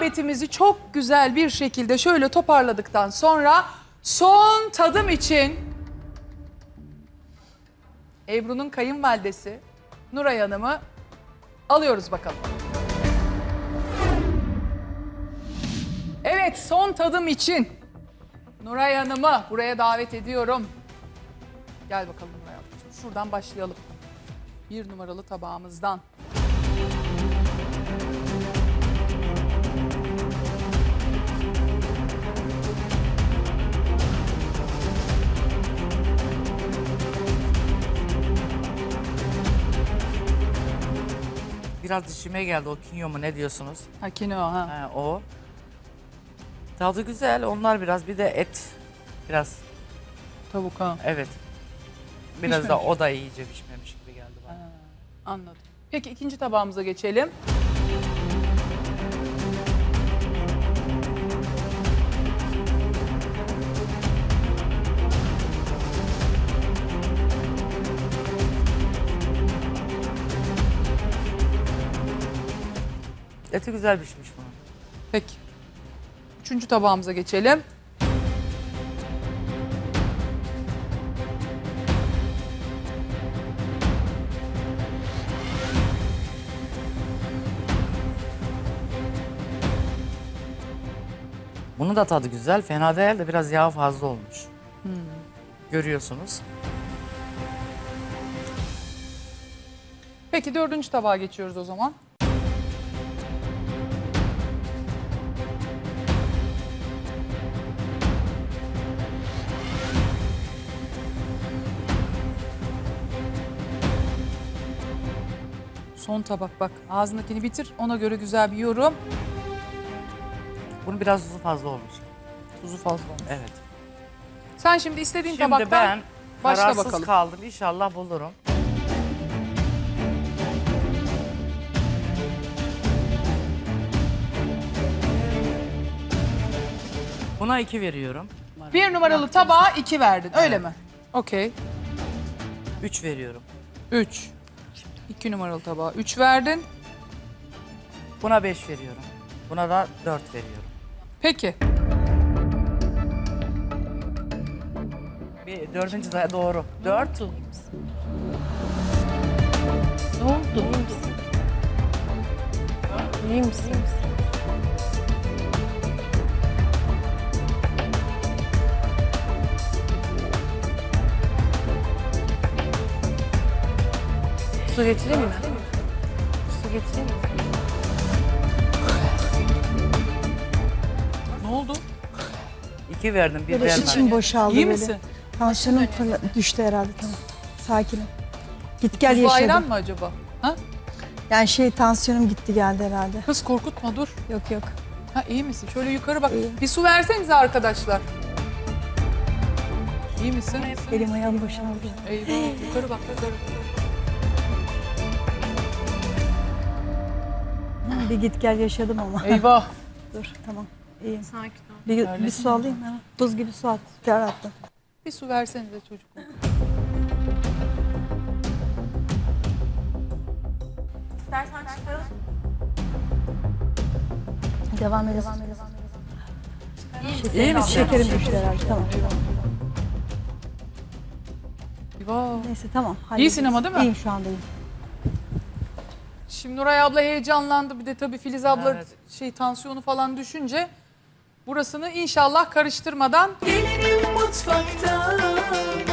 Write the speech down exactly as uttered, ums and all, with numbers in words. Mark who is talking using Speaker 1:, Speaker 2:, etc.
Speaker 1: muhabbetimizi çok güzel bir şekilde şöyle toparladıktan sonra son tadım için Ebru'nun kayınvalidesi Nuray Hanım'ı alıyoruz bakalım. Evet, son tadım için Nuray Hanım'ı buraya davet ediyorum. Gel bakalım Nuray Hanımcığım. Şuradan başlayalım. Bir numaralı tabağımızdan.
Speaker 2: Biraz dişime geldi o kinyo mu ne diyorsunuz?
Speaker 1: Ha kinoa ha.
Speaker 2: Ha, o. Tadı güzel. Onlar biraz bir de et. Biraz
Speaker 1: Tavuk ha.
Speaker 2: evet. Biraz da
Speaker 1: Pişmemiş.
Speaker 2: o da iyice pişmemiş gibi geldi bana.
Speaker 1: Ha, anladım. Peki ikinci tabağımıza geçelim.
Speaker 2: Eti güzel pişmiş bunun.
Speaker 1: Peki. Üçüncü tabağımıza geçelim.
Speaker 2: Bunun da tadı güzel. Fena değil de biraz yağ fazla olmuş. Görüyorsunuz.
Speaker 1: Peki dördüncü tabağa geçiyoruz o zaman. Son tabak bak. Ağzındakini bitir. Ona göre güzel bir yorum.
Speaker 2: Bunun biraz tuzu fazla olmuş.
Speaker 1: Tuzu fazla olmuş.
Speaker 2: Evet.
Speaker 1: Sen şimdi istediğin
Speaker 2: Şimdi
Speaker 1: tabaktan
Speaker 2: ben
Speaker 1: başla
Speaker 2: kararsız
Speaker 1: bakalım.
Speaker 2: kaldım. İnşallah bulurum. Buna iki veriyorum.
Speaker 1: Bir numaralı tabağa iki verdin. Öyle
Speaker 2: Evet.
Speaker 1: mi? Okey.
Speaker 2: Üç veriyorum.
Speaker 1: Üç. İki numaralı tabağa üç verdin.
Speaker 2: Buna beş veriyorum. Buna da dört veriyorum.
Speaker 1: Peki.
Speaker 2: Bir dördüncü de doğru. Dört.
Speaker 3: Ne oldu? İyi misin? İyi misin? Su getireyim mi? Su getireyim mi?
Speaker 1: Ne oldu?
Speaker 2: İki verdim, bir
Speaker 4: Böyle
Speaker 2: vermedim.
Speaker 4: içim boşaldı
Speaker 1: İyi
Speaker 4: böyle.
Speaker 1: misin?
Speaker 4: Tansiyonum fırla- düştü herhalde, tamam. Sakinim. Git gel
Speaker 1: Tuzlu ayran
Speaker 4: yaşadım.
Speaker 1: mı acaba? Ha?
Speaker 4: Yani şey tansiyonum gitti geldi herhalde.
Speaker 1: Kız korkutma dur.
Speaker 4: Yok yok.
Speaker 1: Ha iyi misin? Şöyle yukarı bak.
Speaker 4: İyiyim.
Speaker 1: Bir su versenize arkadaşlar. İyi misin?
Speaker 4: Elim ayağım boşaldı.
Speaker 1: Eyvah yukarı bak yukarı.
Speaker 4: Bir git gel yaşadım ama.
Speaker 1: Eyvah.
Speaker 4: Dur tamam iyiyim.
Speaker 3: Sakin ol.
Speaker 4: Bir,
Speaker 1: Öyle
Speaker 4: bir su alayım mı? Buz gibi su at. Ter attım.
Speaker 1: Bir su versenize çocuklar.
Speaker 3: İstersen çıkaralım.
Speaker 4: Devam edelim.
Speaker 2: İyi misin?
Speaker 4: Şekerim düştü herhalde tamam.
Speaker 1: Eyvah.
Speaker 4: Neyse tamam.
Speaker 1: İyisin
Speaker 4: hallederiz.
Speaker 1: ama değil mi?
Speaker 4: İyiyim şu anda iyiyim.
Speaker 1: Şimdi Nuray abla heyecanlandı. Bir de tabii Filiz abla
Speaker 2: Evet.
Speaker 1: şey tansiyonu falan düşünce burasını inşallah karıştırmadan
Speaker 5: Gelinim mutfakta